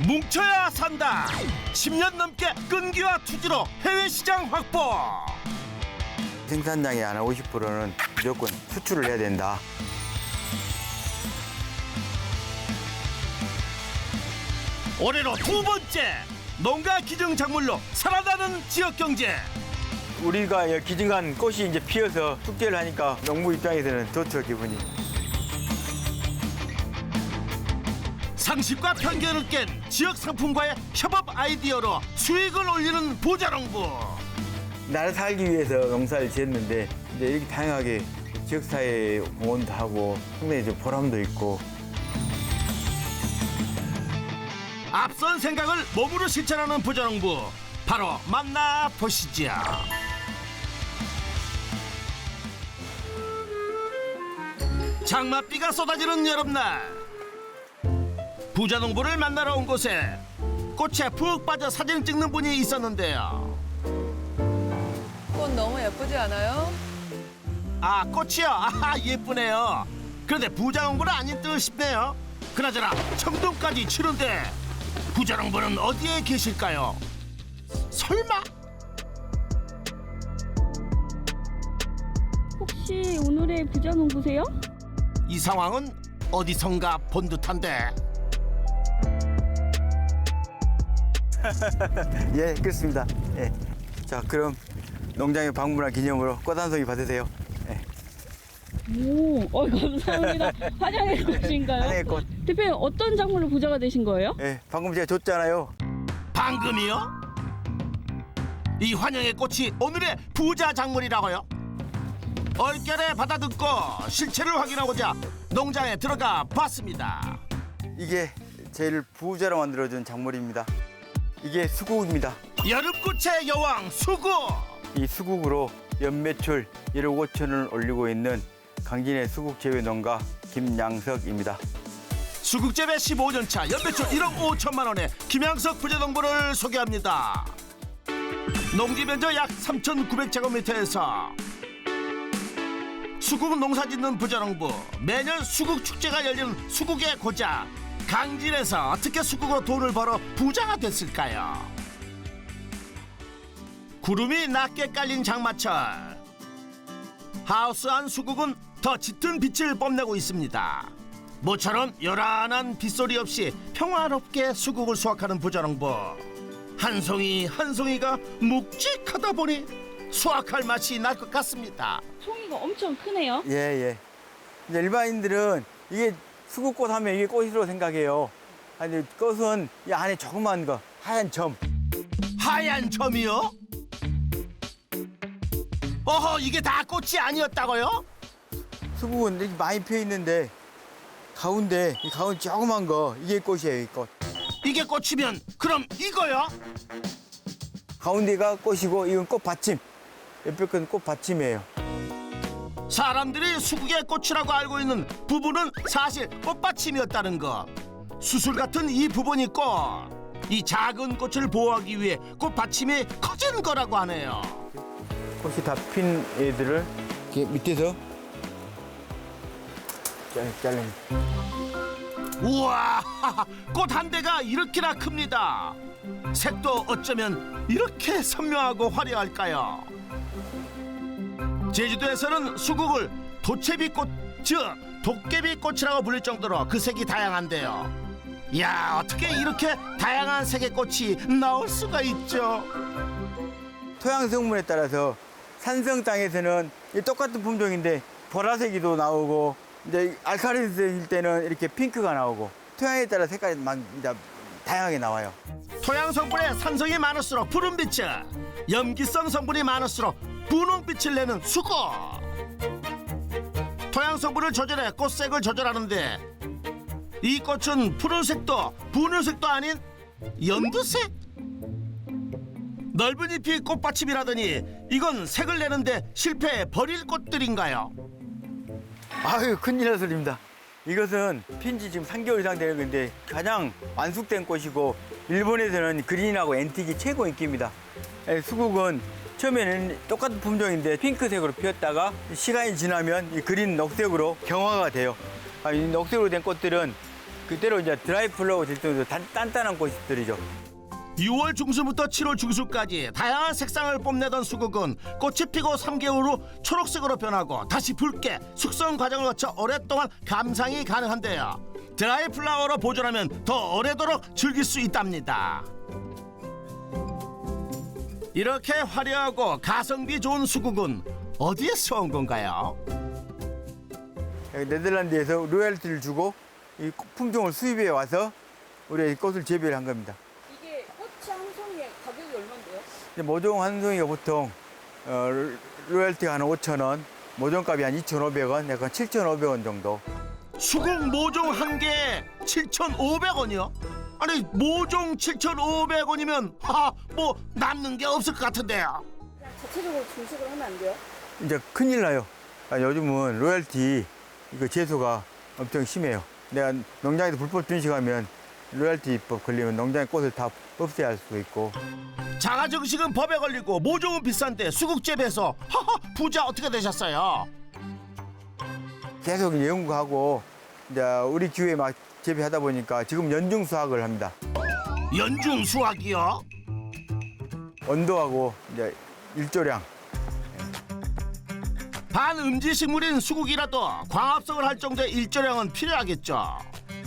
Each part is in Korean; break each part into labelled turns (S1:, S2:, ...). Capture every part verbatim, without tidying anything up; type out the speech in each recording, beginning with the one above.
S1: 뭉쳐야 산다. 십 년 넘게 끈기와 투지로 해외 시장 확보.
S2: 생산량의 한 오십 퍼센트는 무조건 수출을 해야 된다.
S1: 올해로 두 번째 농가 기증 작물로 살아나는 지역 경제.
S2: 우리가 기증한 꽃이 이제 피어서 축제를 하니까 농부 입장에서는 좋죠, 기분이.
S1: 상식과 편견을 깬 지역 상품과의 협업 아이디어로 수익을 올리는 부자농부.
S2: 나를 살기 위해서 농사를 지었는데 이제 이렇게 다양하게 지역사회에 공헌도 하고 상당히 좀 보람도 있고.
S1: 앞선 생각을 몸으로 실천하는 부자농부, 바로 만나보시죠. 장맛비가 쏟아지는 여름날, 부자농부를 만나러 온 곳에 꽃에 푹 빠져 사진 찍는 분이 있었는데요.
S3: 꽃 너무 예쁘지 않아요?
S1: 아, 꽃이요? 아, 예쁘네요. 그런데 부자농부는 아닌 듯 싶네요. 그나저나 청동까지 치는데 부자농부는 어디에 계실까요? 설마?
S4: 혹시 오늘의 부자농부세요?
S1: 이 상황은 어디선가 본 듯한데.
S2: 예, 그렇습니다. 예. 자, 그럼 농장에 방문한 기념으로 꽃 한 송이 받으세요. 예.
S4: 오, 어, 감사합니다. 환영의 꽃인가요?
S2: 환영의 꽃.
S4: 대표님 어떤 작물로 부자가 되신 거예요?
S2: 예, 방금 제가 줬잖아요.
S1: 방금이요? 이 환영의 꽃이 오늘의 부자 작물이라고요? 얼결에 받아듣고 실체를 확인하고자 농장에 들어가 봤습니다.
S2: 이게 제일 부자로 만들어준 작물입니다. 이게 수국입니다.
S1: 여름꽃의 여왕 수국.
S2: 이 수국으로 연매출 일억 오천을 올리고 있는 강진의 수국 재배 농가 김양석입니다.
S1: 수국 재배 십오 년 차 연매출 일억 오천만 원의 김양석 부자농부를 소개합니다. 농지 면적 약 삼천구백 제곱미터에서 수국 농사 짓는 부자농부. 매년 수국 축제가 열리는 수국의 고장 강진에서 어떻게 수국으로 돈을 벌어 부자가 됐을까요? 구름이 낮게 깔린 장마철, 하우스 안 수국은 더 짙은 빛을 뽐내고 있습니다. 모처럼 요란한 빗소리 없이 평화롭게 수국을 수확하는 부자농부. 한 송이 한 송이가 묵직하다 보니 수확할 맛이 날 것 같습니다.
S4: 송이가 엄청 크네요.
S2: 예, 예. 이제 일반인들은 이게 수국꽃 하면 이게 꽃으로 생각해요. 아니, 꽃은 이 안에 조그만 거, 하얀 점.
S1: 하얀 점이요? 어허, 이게 다 꽃이 아니었다고요?
S2: 수국은 이렇게 많이 피어 있는데 가운데 이 가운데 조그만 거 이게 꽃이에요, 이 꽃.
S1: 이게 꽃이면 그럼 이거요?
S2: 가운데가 꽃이고 이건 꽃 받침. 옆에 건 꽃 받침이에요.
S1: 사람들이 수국의 꽃이라고 알고 있는 부분은 사실 꽃받침이었다는 거. 수술 같은 이 부분이 꽃. 이 작은 꽃을 보호하기 위해 꽃받침이 커진 거라고 하네요.
S2: 꽃이 다 핀 애들을 이렇게 밑에서 잘라.
S1: 우와, 꽃 한 대가 이렇게나 큽니다. 색도 어쩌면 이렇게 선명하고 화려할까요? 제주도에서는 수국을 도채비꽃, 즉 도깨비꽃이라고 불릴 정도로 그 색이 다양한데요. 이야, 어떻게 이렇게 다양한 색의 꽃이 나올 수가 있죠?
S2: 토양 성분에 따라서 산성 땅에서는 이 똑같은 품종인데 보라색이도 나오고 이제 알칼리성일 때는 이렇게 핑크가 나오고 토양에 따라 색깔이 막 이제 다양하게 나와요.
S1: 토양 성분에 산성이 많을수록 푸른빛을, 염기성 성분이 많을수록 분홍빛을 내는 수국. 토양 성분을 조절해 꽃색을 조절하는데 이 꽃은 푸른색도 분홍색도 아닌 연두색. 넓은 잎이 꽃받침이라더니 이건 색을 내는데 실패해 버릴 꽃들인가요?
S2: 아유, 큰일 날 소리입니다. 이것은 핀지 지금 삼 개월 이상 되는 건데 가장 완숙된 꽃이고 일본에서는 그린하고 앤틱이 최고 인기입니다. 예, 수국은 처음에는 똑같은 품종인데 핑크색으로 피었다가 시간이 지나면 이 그린 녹색으로 경화가 돼요. 아, 이 녹색으로 된 꽃들은 그때로 이제 드라이 플라워 될 정도로 단, 단단한 꽃들이죠.
S1: 유월 중순부터 칠월 중순까지 다양한 색상을 뽐내던 수국은 꽃이 피고 삼 개월 후 초록색으로 변하고 다시 붉게 숙성 과정을 거쳐 오랫동안 감상이 가능한데요. 드라이 플라워로 보존하면 더 오래도록 즐길 수 있답니다. 이렇게 화려하고 가성비 좋은 수국은 어디에서 온 건가요?
S2: 여기 네덜란드에서 로열티를 주고 이 품종을 수입해 와서 우리가 이 꽃을 재배를 한 겁니다.
S4: 이게 꽃이 한 송이에 가격이 얼마인데요?
S2: 이제 모종 한 송이가 보통 어, 로열티가 한 오천 원, 모종값이 한 이천오백 원, 약간 칠천오백 원 정도.
S1: 수국 모종 한 개에 칠천오백 원이요? 아니 모종 칠천오백 원이면 하하 뭐 남는 게 없을 것 같은데요.
S4: 자체적으로 중식을 하면 안 돼요?
S2: 이제 큰일 나요. 아, 요즘은 로열티 이거 제소가 엄청 심해요. 내가 농장에서 불법 준식하면 로열티법 걸리면 농장의 꽃을 다 없애야 할 수도 있고.
S1: 자가 증식은 법에 걸리고 모종은 비싼데 수국 재배해서 하하 부자 어떻게 되셨어요?
S2: 계속 연구하고 이제 우리 기후에 막 재배하다 보니까 지금 연중 수확을 합니다.
S1: 연중 수확이요?
S2: 온도하고 이제 일조량.
S1: 반음지 식물인 수국이라도 광합성을 할 정도의 일조량은 필요하겠죠.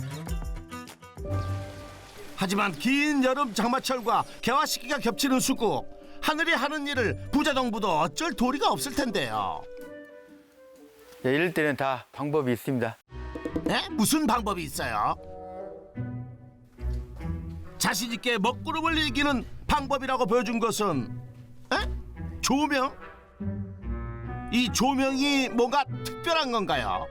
S1: 하지만 긴 여름 장마철과 개화 시기가 겹치는 수국, 하늘이 하는 일을 부자 정부도 어쩔 도리가 없을 텐데요.
S2: 네, 이럴 때는 다 방법이 있습니다.
S1: 네? 무슨 방법이 있어요? 자신 있게 먹구름을 이기는 방법이라고 보여준 것은 에? 조명? 이 조명이 뭔가 특별한 건가요?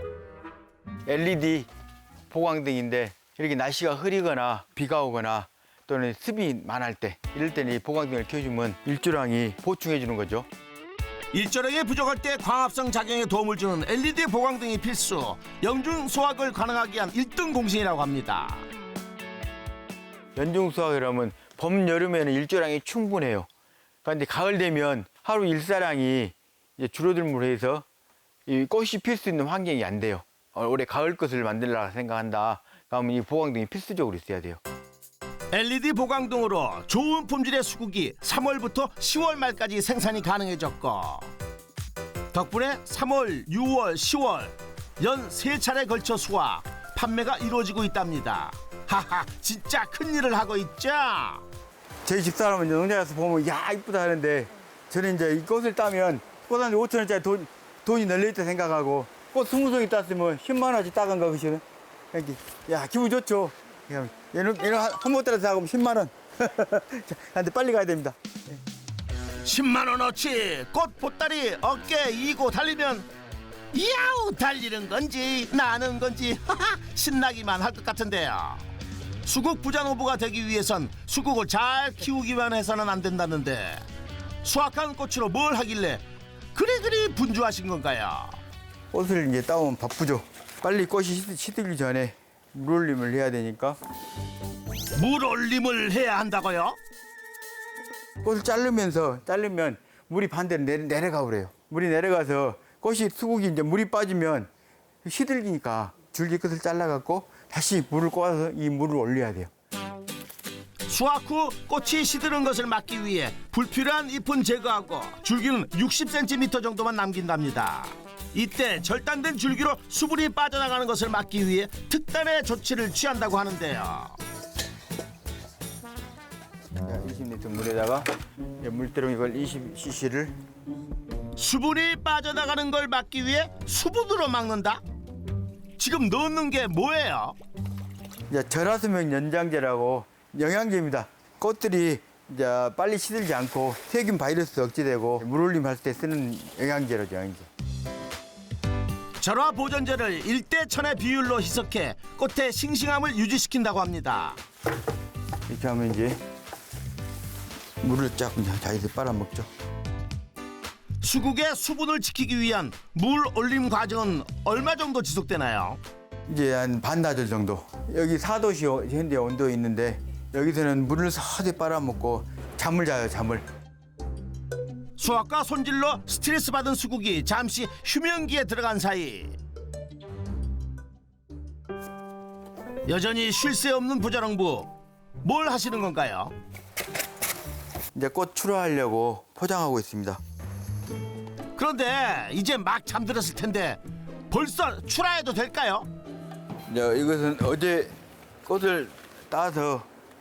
S2: 엘이디 보강등인데 이렇게 날씨가 흐리거나 비가 오거나 또는 습이 많을 때 이럴 때는 이 보강등을 켜주면 일조량이 보충해 주는 거죠.
S1: 일조량이 부족할 때 광합성 작용에 도움을 주는 엘이디 보강등이 필수, 영중 수확을 가능하게 한 일 등 공신이라고 합니다.
S2: 연중 수확이라면 봄, 여름에는 일조량이 충분해요. 그런데 가을 되면 하루 일사량이 이제 줄어들므로 해서 이 꽃이 필 수 있는 환경이 안 돼요. 어, 올해 가을 것을 만들려고 생각한다. 그러면 이 보강등이 필수적으로 있어야 돼요.
S1: 엘이디 보강등으로 좋은 품질의 수국이 삼월부터 시월 말까지 생산이 가능해졌고 덕분에 삼월, 유월, 시월 연 세 차례 걸쳐 수확, 판매가 이루어지고 있답니다. 하하, 진짜 큰일을 하고 있죠?
S2: 저희 집사람은 이제 농장에 가서 보면 야 이쁘다 하는데 저는 이제 이 꽃을 따면 꽃 한 오천 원짜리 돈, 돈이 널려있다 생각하고 꽃 스무 송이 땄으면 십만 원어치 따간 거 그시는 야 기분 좋죠. 얘는 얘는 한 번 따라서 하고 십만 원. 근데 빨리 가야 됩니다.
S1: 십만 원어치 꽃 보따리 어깨에 이고 달리면 야우 달리는 건지 나는 건지 하하 신나기만 할 것 같은데요. 수국 부자농부가 되기 위해선 수국을 잘 키우기만 해서는 안 된다는데 수확한 꽃으로 뭘 하길래 그리 그리 분주하신 건가요?
S2: 꽃을 이제 따오면 바쁘죠. 빨리 꽃이 시- 시들기 전에 물 올림을 해야 되니까
S1: 물 올림을 해야 한다고요?
S2: 꽃을 자르면서 자르면 물이 반대로 내려, 내려가 그래요. 물이 내려가서 꽃이 수국이 이제 물이 빠지면 시들기니까 줄기 끝을 잘라갖고 다시 물을 꽂아서 이 물을 올려야 돼요.
S1: 수확 후 꽃이 시드는 것을 막기 위해 불필요한 잎은 제거하고 줄기는 육십 센티미터 정도만 남긴답니다. 이때 절단된 줄기로 수분이 빠져나가는 것을 막기 위해 특단의 조치를 취한다고 하는데요.
S2: 자, 이십 리터 물에다가 이제 물대로 이걸 이십 씨씨를
S1: 수분이 빠져나가는 걸 막기 위해 수분으로 막는다? 지금 넣는 게 뭐예요?
S2: 이제 절하수명 연장제라고 영양제입니다. 꽃들이 이제 빨리 시들지 않고 세균 바이러스 억제되고 물 올림 할 때 쓰는 영양제로죠, 영양제.
S1: 절화 보존제를 일 대 천의 비율로 희석해 꽃의 싱싱함을 유지시킨다고 합니다.
S2: 이렇게 하면 이제 물을 쫙 그냥 자기들 빨아먹죠.
S1: 수국의 수분을 지키기 위한 물 올림 과정은 얼마 정도 지속되나요?
S2: 이제 한 반나절 정도. 여기 사 도씨 현재 온도에 있는데 여기서는 물을 서서히 빨아먹고 잠을 자요, 잠을.
S1: 수확과 손질로 스트레스 받은 수국이 잠시 휴면기에 들어간 사이 여전히 쉴 새 없는 부자농부. 뭘 하시는 건가요?
S2: 이제 꽃 출하하려고 포장하고 있습니다.
S1: 그런데 이제 막 잠들었을 텐데 벌써 출하해도 될까요?
S2: 이제 이것은 어제 꽃을 따서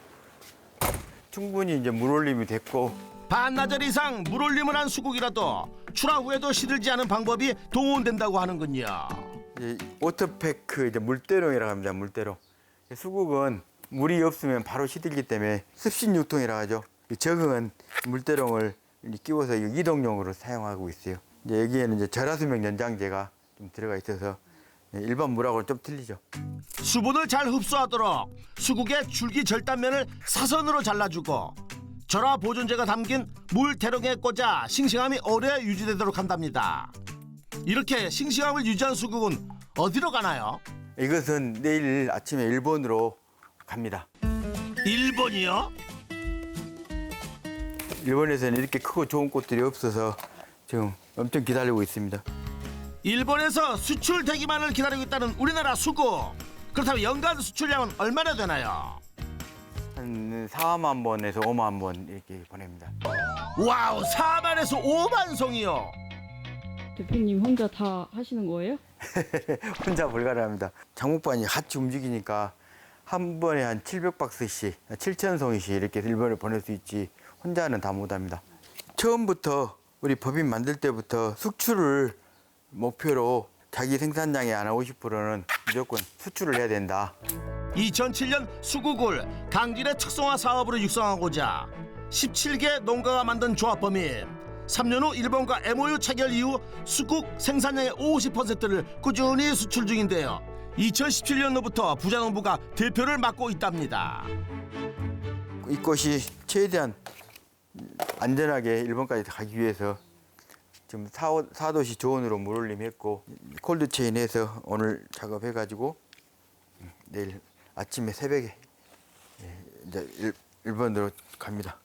S2: 충분히 이제 물올림이 됐고,
S1: 반나절 이상 물올림을 한 수국이라도 출하 후에도 시들지 않은 방법이 동원된다고 하는군요.
S2: 이제 워터패크 이제 물대롱이라고 합니다. 물대롱. 수국은 물이 없으면 바로 시들기 때문에 습신 유통이라 하죠. 이 적응은 물대롱을 끼워서 이동용으로 사용하고 있어요. 이제 여기에는 이제 절하수명 연장제가 좀 들어가 있어서 일반 물하고는 좀 틀리죠.
S1: 수분을 잘 흡수하도록 수국의 줄기 절단면을 사선으로 잘라주고 절하 보존제가 담긴 물 대롱에 꽂아 싱싱함이 오래 유지되도록 한답니다. 이렇게 싱싱함을 유지한 수국은 어디로 가나요?
S2: 이것은 내일 아침에 일본으로 갑니다.
S1: 일본이요?
S2: 일본에서는 이렇게 크고 좋은 꽃들이 없어서 지금 엄청 기다리고 있습니다.
S1: 일본에서 수출되기만을 기다리고 있다는 우리나라 수국. 그렇다면 연간 수출량은 얼마나 되나요?
S2: 한 사만 번에서 오만 번 이렇게 보냅니다.
S1: 와우, 사만에서 오만 송이요.
S4: 대표님 혼자 다 하시는 거예요?
S2: 혼자 불가능합니다. 장목반이 같이 움직이니까 한 번에 한 칠백 박스씩, 칠천 송이씩 이렇게 일본에 보낼 수 있지 혼자는 다 못합니다. 처음부터 우리 법인 만들 때부터 수출을 목표로 자기 생산량의 한 오십 퍼센트는 무조건 수출을 해야 된다.
S1: 이천칠 년 수국을 강진의 특성화 사업으로 육성하고자 십칠 개 농가가 만든 조합범인 삼 년 후 일본과 엠오유 체결 이후 수국 생산량의 오십 퍼센트를 꾸준히 수출 중인데요. 이천십칠 년도부터 부자농부가 대표를 맡고 있답니다.
S2: 이 꽃이 최대한 안전하게 일본까지 가기 위해서 지금 사 도시 조원으로 물올림했고 콜드체인해서 오늘 작업해가지고 내일 아침에 새벽에 이제 일, 일본으로 갑니다.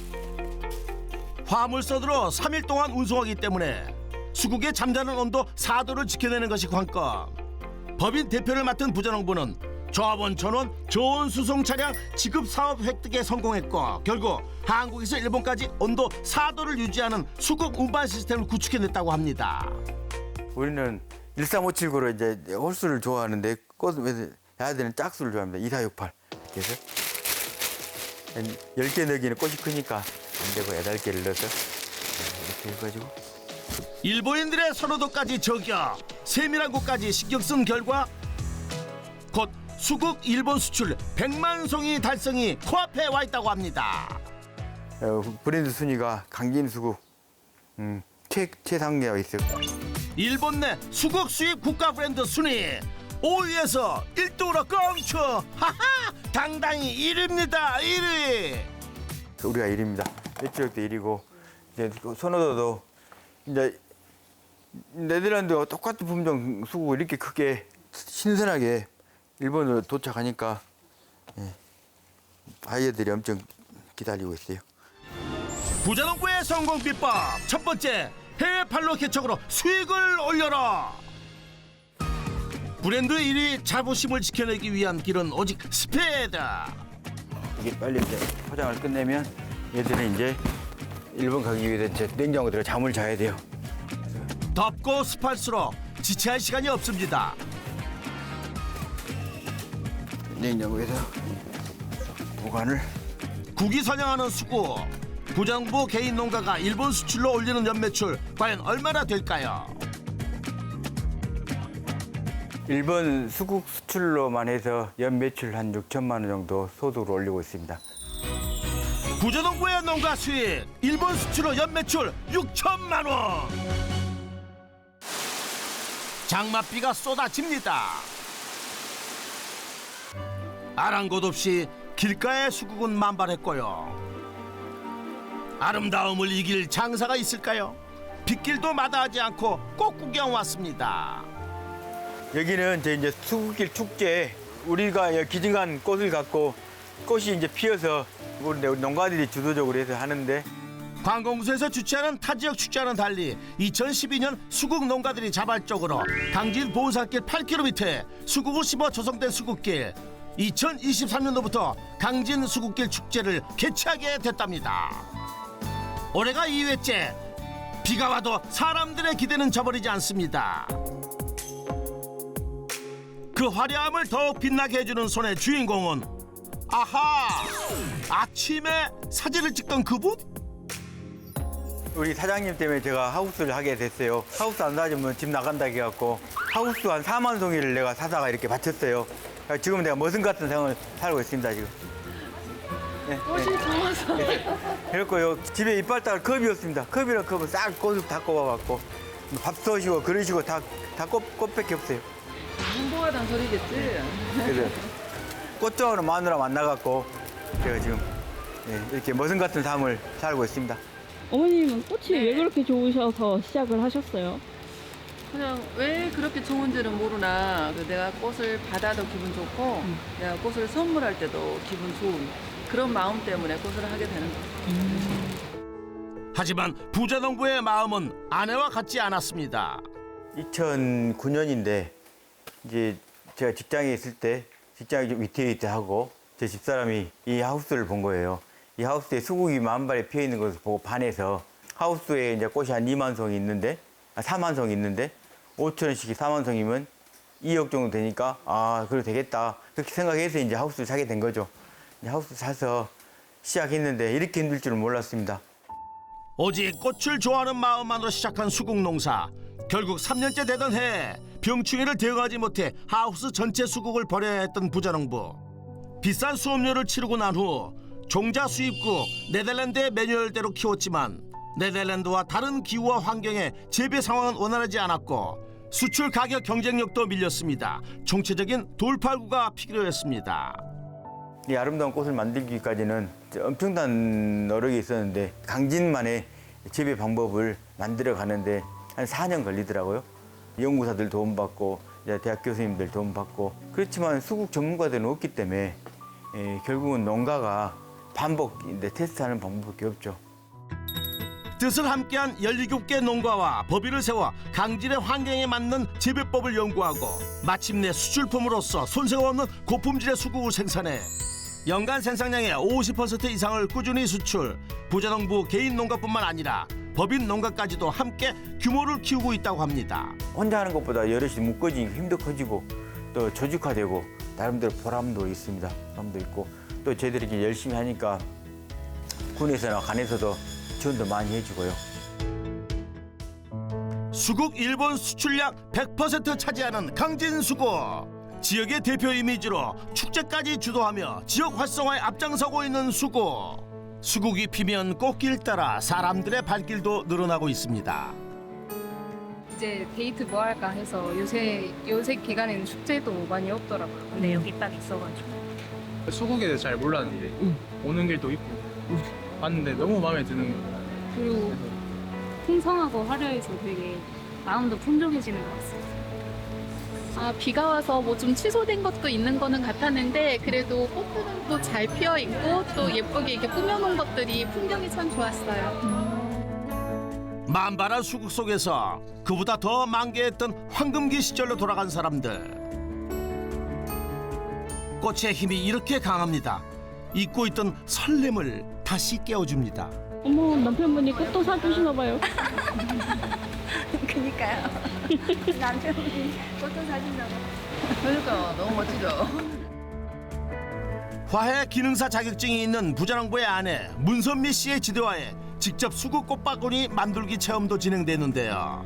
S1: 화물선으로 삼 일 동안 운송하기 때문에 수국의 잠자는 온도 사 도를 지켜내는 것이 관건. 법인 대표를 맡은 부자농부는 조합원 전원 좋은 수송 차량 지급 사업 획득에 성공했고 결국 한국에서 일본까지 온도 사 도를 유지하는 수국 운반 시스템을 구축해냈다고 합니다.
S2: 우리는 일삼오칠구로 이제 홀수를 좋아하는데 꽃을 야들은 짝수를 좋아합니다. 이사육팔 이렇게 해서 열 개 넣기는 꽃이 크니까 안 되고 여덟 개를 넣어서 이렇게 해가지고
S1: 일본인들의 선호도까지 저격, 세밀한 곳까지 신경 쓴 결과 곧 수국 일본 수출 백만 송이 달성이 코앞에 와 있다고 합니다.
S2: 어, 브랜드 순위가 강진 수국 음, 최, 최상위에 있어요.
S1: 일본 내 수국 수입 국가 브랜드 순위 오 위에서 일 등으로 껑쳐. 하하, 당당히 일 위입니다. 일 위.
S2: 우리가 일 위입니다. 매출액도 일 위고 이제 그 선호도도 이제 네덜란드와 똑같은 품종 수국을 이렇게 크게 신선하게 일본으로 도착하니까 예, 바이어들이 엄청 기다리고 있어요.
S1: 부자농부의 성공 비법 첫 번째, 해외 판로 개척으로 수익을 올려라. 브랜드 일 위 자부심을 지켜내기 위한 길은 오직 스피드.
S2: 이게 빨리 이제 포장을 끝내면 얘들은 이제 일본 가기 위해서 이제 냉장고 들어 잠을 자야 돼요.
S1: 덥고 습할수록 지체할 시간이 없습니다.
S2: 냉장고에서 보관을
S1: 국이 선양하는 수국. 부자농부 개인 농가가 일본 수출로 올리는 연매출 과연 얼마나 될까요?
S2: 일본 수국 수출로만 해서 연 매출 한 육천만 원 정도 소득을 올리고 있습니다.
S1: 부자농부의 농가 수익 일본 수출로 연매출 육천만 원. 장맛비가 쏟아집니다. 아랑곳 없이 길가의 수국은 만발했고요. 아름다움을 이길 장사가 있을까요? 빗길도 마다하지 않고 꽃 구경 왔습니다.
S2: 여기는 저 이제 수국길 축제, 우리가 기증한 꽃을 갖고 꽃이 이제 피어서 우리 농가들이 주도적으로 해서 하는데
S1: 관공서에서 주최하는 타지역 축제와는 달리 이천십이 년 수국 농가들이 자발적으로 강진 보은산길 팔 킬로미터에 수국을 심어 조성된 수국길. 이천이십삼 년도부터 강진 수국길 축제를 개최하게 됐답니다. 올해가 이 회째. 비가 와도 사람들의 기대는 저버리지 않습니다. 그 화려함을 더욱 빛나게 해주는 손의 주인공은 아하! 아침에 사진을 찍던 그분?
S2: 우리 사장님 때문에 제가 하우스를 하게 됐어요. 하우스 안 사주면 집 나간다 해갖고 하우스 한 사만 송이를 내가 사다가 이렇게 바쳤어요. 지금 내가 머슴 같은 생활을 살고 있습니다, 지금. 네,
S3: 꽃이
S2: 네.
S3: 좋아서.
S2: 그랬고요. 집에 이빨따가 컵이었습니다. 컵이랑 컵을 싹 꽃을 다 꼽아갖고 밥 쏘시고 그러시고 다, 다 꽃, 꽃밖에 없어요.
S3: 행복하다는 소리겠지?
S2: 그래서 꽃좋아하는 마누라 만나갖고 제가 지금 네, 이렇게 머슴 같은 삶을 살고 있습니다.
S4: 어머님은 꽃이
S3: 네.
S4: 왜 그렇게 좋으셔서 시작을 하셨어요?
S3: 그냥 왜 그렇게 좋은지는 모르나 그 내가 꽃을 받아도 기분 좋고 내가 꽃을 선물할 때도 기분 좋은 그런 마음 때문에 꽃을 하게 되는 거예요.
S1: 하지만 부자농부의 마음은 아내와 같지 않았습니다.
S2: 이천구 년인데 이제 제가 직장에 있을 때 직장이 좀 위태위태하고 제 집사람이 이 하우스를 본 거예요. 이 하우스에 수국이 만발에 피어 있는 것을 보고 반해서 하우스에 이제 꽃이 한 이만 송이 있는데 아, 사만 송이 있는데 오천 원씩이 사만 송이면 이억 정도 되니까 아 그래도 되겠다 그렇게 생각해서 이제 하우스를 사게 된 거죠. 이제 하우스 사서 시작했는데 이렇게 힘들 줄은 몰랐습니다.
S1: 오직 꽃을 좋아하는 마음만으로 시작한 수국 농사. 결국 삼 년째 되던 해 병충해를 대응하지 못해 하우스 전체 수국을 버려야 했던 부자농부. 비싼 수업료를 치르고 난 후 종자 수입국 네덜란드의 매뉴얼대로 키웠지만 네덜란드와 다른 기후와 환경에 재배 상황은 원활하지 않았고 수출 가격 경쟁력도 밀렸습니다. 총체적인 돌파구가 필요했습니다.
S2: 이 아름다운 꽃을 만들기까지는 엄청난 노력이 있었는데 강진만의 재배 방법을 만들어 가는데 한 사 년 걸리더라고요. 연구사들 도움받고 대학 교수님들 도움받고 그렇지만 수국 전문가들은 없기 때문에 에, 결국은 농가가 반복인데 테스트하는 방법밖에 없죠.
S1: 뜻을 함께한 열일곱 개 농가와 법인을 세워 강진의 환경에 맞는 재배법을 연구하고 마침내 수출품으로서 손색 없는 고품질의 수국을 생산해 연간 생산량의 오십 퍼센트 이상을 꾸준히 수출. 부자농부 개인 농가뿐만 아니라 법인 농가까지도 함께 규모를 키우고 있다고 합니다.
S2: 혼자 하는 것보다 여럿이 묶어지니까 힘도 커지고 또 조직화되고 나름대로 보람도 있습니다. 보람도 있고 또 저희들이 이렇게 열심히 하니까 군에서나 간에서도 지원도 많이 해주고요.
S1: 수국 일본 수출량 백 퍼센트 차지하는 강진 수국. 지역의 대표 이미지로 축제까지 주도하며 지역 활성화에 앞장서고 있는 수국. 수국이 피면 꽃길 따라 사람들의 발길도 늘어나고 있습니다.
S5: 이제 데이트 뭐 할까 해서 요새 요새 기간에는 축제도 많이 없더라고요. 근데 여기 딱 있어가지고.
S6: 수국에 대해서 잘 몰랐는데 오는 길도 있고 봤는데 너무 마음에 드는 거예요.
S5: 그리고 풍성하고 화려해서 되게 마음도 풍족해지는 것 같습니다.
S7: 아, 비가 와서 뭐 좀 취소된 것도 있는 거는 같았는데 그래도 꽃들은 또 잘 피어 있고 또 예쁘게 이렇게 꾸며놓은 것들이 풍경이 참 좋았어요.
S1: 만발한 수국 속에서 그보다 더 만개했던 황금기 시절로 돌아간 사람들. 꽃의 힘이 이렇게 강합니다. 잊고 있던 설렘을 다시 깨워줍니다.
S4: 어머, 남편분이 꽃도 사주시나 봐요.
S5: 그니까요. 남편분이 꽃도 사준다고.
S3: 그러니까 너무 멋지죠?
S1: 화해 기능사 자격증이 있는 부자농부의 아내 문선미 씨의 지도하에 직접 수국 꽃바구니 만들기 체험도 진행되는데요.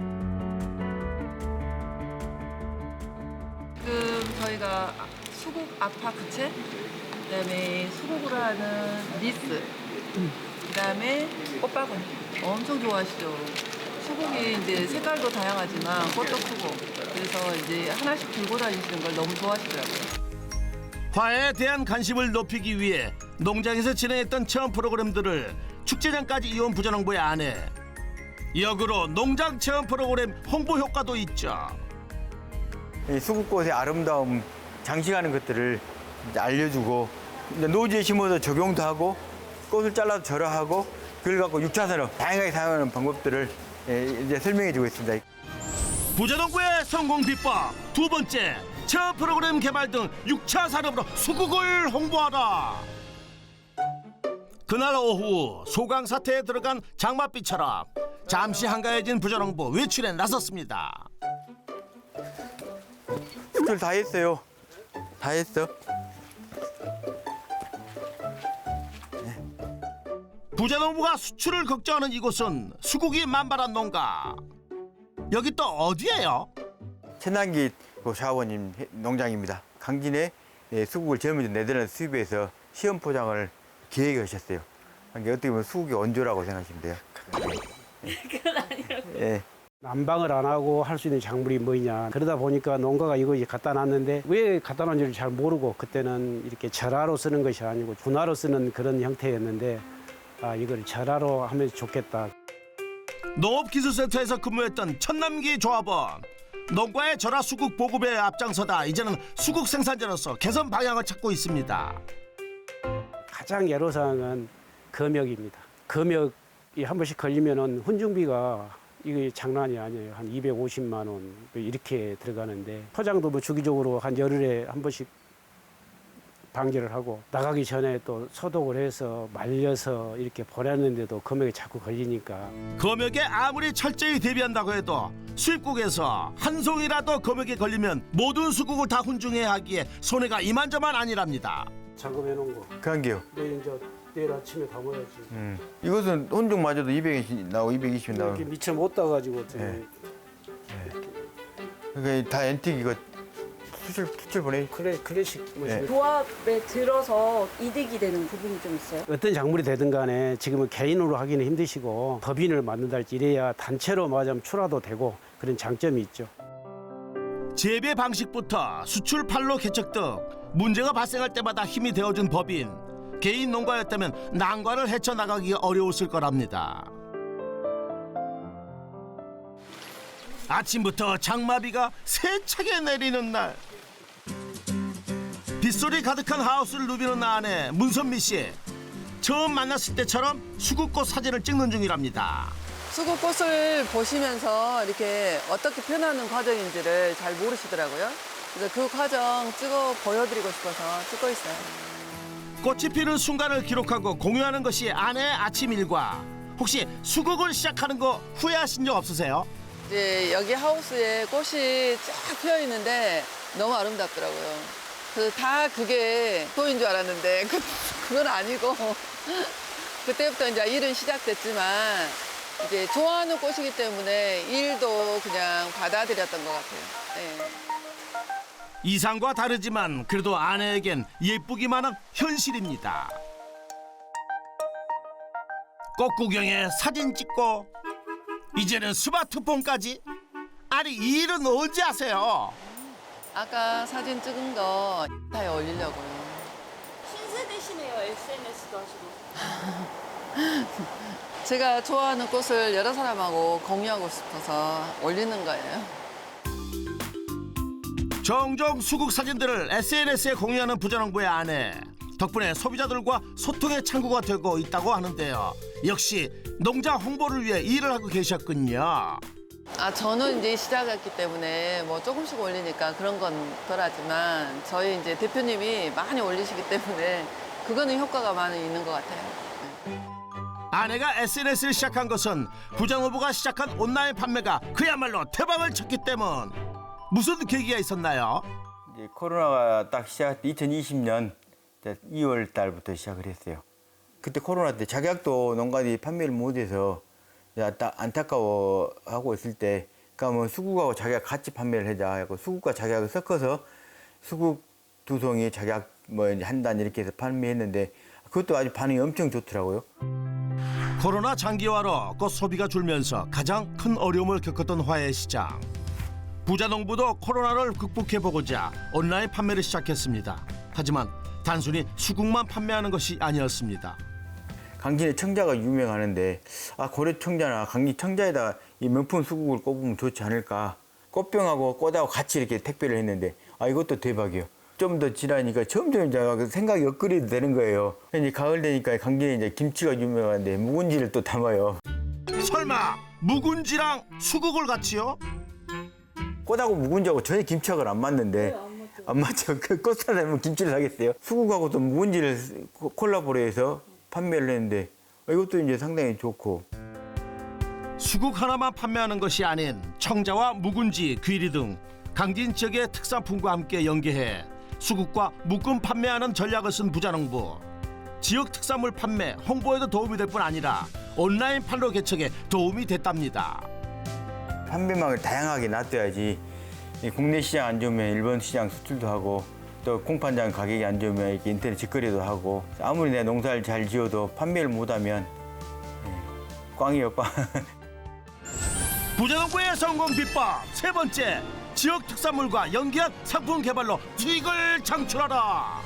S3: 지금 저희가 수국 아파 부채, 그다음에 수국으로 하는 리스, 그다음에 꽃바구니 엄청 좋아하시죠. 수국이 이제 색깔도 다양하지만 꽃도 크고 그래서 이제 하나씩 들고 다니시는 걸 너무 좋아하시더라고요.
S1: 화해에 대한 관심을 높이기 위해 농장에서 진행했던 체험 프로그램들을 축제장까지 이어온 부자농부의 아내. 역으로 농장 체험 프로그램 홍보 효과도 있죠.
S2: 이 수국꽃의 아름다움, 장식하는 것들을 이제 알려주고 이제 노지에 심어서 적용도 하고 꽃을 잘라서 절여하고 그걸 갖고 육차선으로 다양하게 사용하는 방법들을 예, 이제 설명해주고 있습니다.
S1: 부자농부의 성공 비법 두 번째, 캡처 프로그램 개발 등 육 차 산업으로 수국을 홍보하라. 그날 오후 소강 사태에 들어간 장맛비처럼 잠시 한가해진 부전홍보 외출에 나섰습니다.
S2: 수출 다 했어요. 다 했어.
S1: 부자농부가 수출을 걱정하는 이곳은 수국이 만발한 농가. 여기 또 어디예요?
S2: 천남기 그 샤워님 농장입니다. 강진에 예, 수국을 전면 네덜란드 수입해서 시험 포장을 기획하셨어요. 그러니까 어떻게 보면 수국의 원조라고 생각하시면 돼요. 그건 아니라고. 예.
S8: 난방을 안 하고 할 수 있는 작물이 뭐냐. 그러다 보니까 농가가 이거 이제 갖다 놨는데 왜 갖다 놨는지를 잘 모르고 그때는 이렇게 절하로 쓰는 것이 아니고 분화로 쓰는 그런 형태였는데 아, 이걸 절하로 하면 좋겠다.
S1: 농업기술센터에서 근무했던 천남기 조합원. 농가의 절하 수국 보급에 앞장서다 이제는 수국 생산자로서 개선 방향을 찾고 있습니다.
S8: 가장 애로사항은 금역입니다. 금역이 한 번씩 걸리면은 훈증비가 이게 장난이 아니에요. 한 이백오십만 원 이렇게 들어가는데 포장도 뭐 주기적으로 한 열흘에 한 번씩 방제를 하고 나가기 전에 또 소독을 해서 말려서 이렇게 보냈는데도 금역이 자꾸 걸리니까
S1: 검역에 아무리 철저히 대비한다고 해도 수입국에서 한 송이라도 검역에 걸리면 모든 수국을 다 훈증해야 하기에 손해가 이만저만 아니랍니다.
S8: 잠금해 놓은 거.
S2: 그런 게요.
S8: 내일 이제 내일 아침에 다 먹어야지.
S2: 음. 이것은 혼중마저도 이백이십 나오고 이백이십 나오고.
S8: 이렇게 미처 못 따가지고 저기
S2: 네. 그러니까 다 엔틱 이거 수출 수출 보내.
S8: 클래, 클래식 뭐
S2: 네.
S9: 조합에 들어서 이득이 되는 부분이 좀 있어요?
S8: 어떤 작물이 되든 간에 지금은 개인으로 하기는 힘드시고 법인을 만든다 할지 이래야 단체로 맞으면 출하도 되고 그런 장점이 있죠.
S1: 재배 방식부터 수출 판로 개척 등 문제가 발생할 때마다 힘이 되어준 법인. 개인 농가였다면 난관을 헤쳐나가기가 어려웠을 거랍니다. 아침부터 장마비가 세차게 내리는 날. 빗소리 가득한 하우스를 누비는 아내 문선미 씨. 처음 만났을 때처럼 수국꽃 사진을 찍는 중이랍니다.
S3: 수국꽃을 보시면서 이렇게 어떻게 표현하는 과정인지를 잘 모르시더라고요. 그래서 그 과정 찍어 보여드리고 싶어서 찍고 있어요.
S1: 꽃이 피는 순간을 기록하고 공유하는 것이 아내의 아침 일과. 혹시 수국을 시작하는 거 후회하신 적 없으세요?
S3: 이제 여기 하우스에 꽃이 쫙 피어 있는데 너무 아름답더라고요. 그래서 다 그게 소인 줄 알았는데 그, 그건 아니고 그때부터 이제 일은 시작됐지만 이제 좋아하는 꽃이기 때문에 일도 그냥 받아들였던 것 같아요. 네.
S1: 이상과 다르지만 그래도 아내에겐 예쁘기만 한 현실입니다. 꽃 구경에 사진 찍고 이제는 스마트폰까지. 아니 이 일은 언제 하세요?
S3: 아까 사진 찍은 거 다에 올리려고요.
S9: 신세대시네요. 에스엔에스도 하시고.
S3: 제가 좋아하는 꽃을 여러 사람하고 공유하고 싶어서 올리는 거예요.
S1: 종종 수국 사진들을 에스엔에스에 공유하는 부자농부의 아내. 덕분에 소비자들과 소통의 창구가 되고 있다고 하는데요. 역시 농장 홍보를 위해 일을 하고 계셨군요.
S3: 아, 저는 이제 시작했기 때문에 뭐 조금씩 올리니까 그런 건 덜하지만 저희 이제 대표님이 많이 올리시기 때문에 그거는 효과가 많이 있는 것 같아요. 네.
S1: 아내가 에스엔에스를 시작한 것은 부자농부가 시작한 온라인 판매가 그야말로 대박을 쳤기 때문. 무슨 계기가 있었나요?
S2: 이제 코로나가 딱 시작 이천이십 년 이월 달부터 시작을 했어요. 그때 코로나 때 작약도 농가들이 판매를 못해서 안타까워하고 있을 때, 그러니까 뭐 수국하고 작약 같이 판매를 하자 하고 수국과 작약을 섞어서 수국 두 송이 작약 뭐 한 단 이렇게 해서 판매했는데 그것도 아주 반응이 엄청 좋더라고요.
S1: 코로나 장기화로 꽃 소비가 줄면서 가장 큰 어려움을 겪었던 화훼 시장. 부자농부도 코로나를 극복해보고자 온라인 판매를 시작했습니다. 하지만 단순히 수국만 판매하는 것이 아니었습니다.
S2: 강진의 청자가 유명하는데 아 고려 청자나 강진 청자에다가 이 명품 수국을 꼽으면 좋지 않을까. 꽃병하고 꽃하고 같이 이렇게 택배를 했는데 아 이것도 대박이에요. 좀 더 지나니까 점점 이제 생각이 업그레이드 되는 거예요. 이제 가을 되니까 강진에 이제 김치가 유명한데 묵은지를 또 담아요.
S1: 설마 묵은지랑 수국을 같이요?
S2: 꽃하고 묵은지하고 전혀 김치하고는 안 맞는데 안 맞죠? 그 꽃 사려면 김치를 사겠어요. 수국하고 또 묵은지를 콜라보레해서 판매를 했는데 이것도 이제 상당히 좋고.
S1: 수국 하나만 판매하는 것이 아닌 청자와 묵은지, 귀리 등 강진 지역의 특산품과 함께 연계해 수국과 묶음 판매하는 전략을 쓴 부자농부. 지역 특산물 판매, 홍보에도 도움이 될 뿐 아니라 온라인 판로 개척에 도움이 됐답니다.
S2: 판매망을 다양하게 놔둬야지 이 국내 시장 안 좋으면 일본 시장 수출도 하고 또 공판장 가격이 안 좋으면 이렇게 인터넷 직거래도 하고 아무리 내가 농사를 잘 지어도 판매를 못하면 꽝이요 꽝.
S1: 부자농부의 성공 비법 세 번째, 지역 특산물과 연계한 상품 개발로 수익을 창출하라.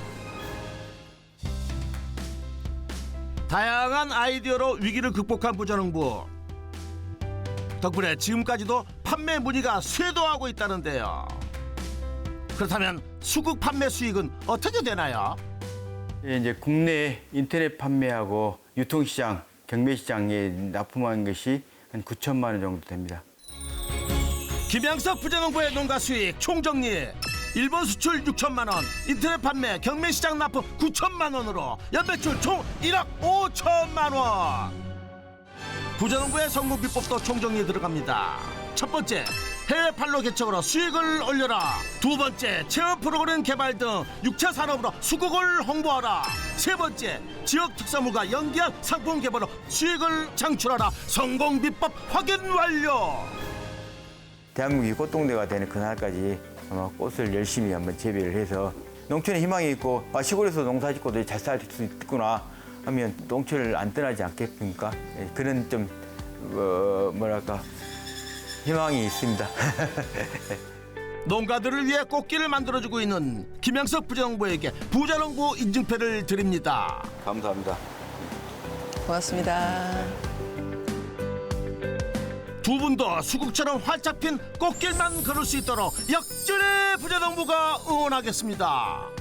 S1: 다양한 아이디어로 위기를 극복한 부자농부. 덕분에 지금까지도 판매 문의가 쇄도하고 있다는데요. 그렇다면 수국 판매 수익은 어떻게 되나요?
S2: 예, 이제 국내 인터넷 판매하고 유통시장, 경매시장에 납품한 것이 한 구천만 원 정도 됩니다.
S1: 김양석 부자농부의 농가 수익 총정리. 일본 수출 육천만 원, 인터넷 판매, 경매시장 납품 구천만 원으로 연매출 총 일억 오천만 원. 부자농부의 성공 비법도 총정리에 들어갑니다. 첫 번째, 해외 판로 개척으로 수익을 올려라. 두 번째, 체험 프로그램 개발 등 육차 산업으로 수국을 홍보하라. 세 번째, 지역 특산물과 연계한 상품 개발로 수익을 창출하라. 성공 비법 확인 완료.
S2: 대한민국이 꽃동네가 되는 그날까지 아마 꽃을 열심히 한번 재배를 해서 농촌에 희망이 있고 아, 시골에서 농사 짓고도 잘 살 수 있구나 하면 농촌을 안 떠나지 않겠습니까? 예, 그런 좀 어, 뭐랄까 희망이 있습니다.
S1: 농가들을 위해 꽃길을 만들어주고 있는 김양석 부자농부에게 부자농부 인증패를 드립니다.
S2: 감사합니다.
S3: 고맙습니다.
S1: 두 분도 수국처럼 활짝 핀 꽃길만 걸을 수 있도록 역전의 부자농부가 응원하겠습니다.